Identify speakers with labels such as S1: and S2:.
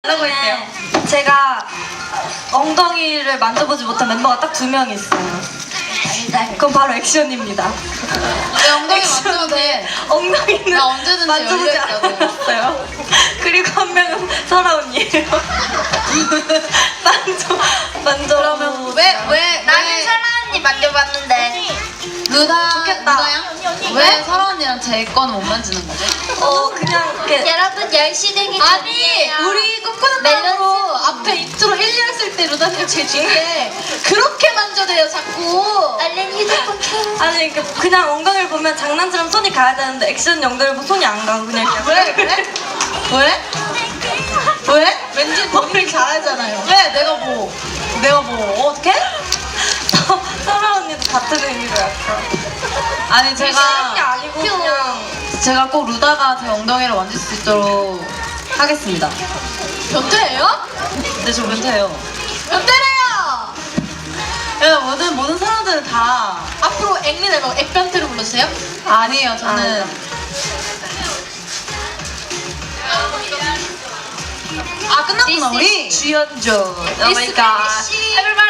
S1: 하고 있대요. 제가 엉덩이를 만져보지 못한 멤버가 딱 2명 있어요. 그럼 바로 액션입니다.
S2: 내 엉덩이 만져도 돼.
S1: 엉덩이는
S2: 나 언제든지
S1: 만져보지
S2: 열려있다고.
S1: 않았어요. 그리고 한 명은 설아 언니예요. 만져.
S2: 그러면 왜
S3: 나는 설아 언니 만져봤는데.
S2: 루다
S1: 좋겠다.
S2: 루다양? 왜 설아 언니랑 제 거는 못 만지는 거지?
S1: 그냥 이렇게
S3: 여러분 10시 되기
S2: 아니 우리 꿈꾸는 밤으로 앞에 인트로 1, 2 했을 때 루다님 제 뒤에 그렇게 만져대요 자꾸.
S3: 얼른 휴대폰 켜.
S1: 아니 그냥 엉덩이를 보면 장난처럼 손이 가야 되는데 액션 엉덩이를 보면 손이 안 가고 그냥 이렇게
S2: 왜 그래? 왜? 왜? 왠지 본인이 잘하잖아요. 왜? 내가 뭐 어떻게?
S1: 설아 언니도 같은 의미로 약간
S2: 아니
S1: 싫은 게 아니고 그냥
S2: 제가 꼭 루다가 제 엉덩이를 만질 수 있도록 하겠습니다. 변태예요?
S1: 근데 저 변태예요.
S2: 변태래요! 야, 모든 사람들은 다 앞으로 앵리 말고 액변태로 불러주세요. 아니에요, 저는 끝났구나 우리.
S1: 주연조.
S2: This is
S1: everybody.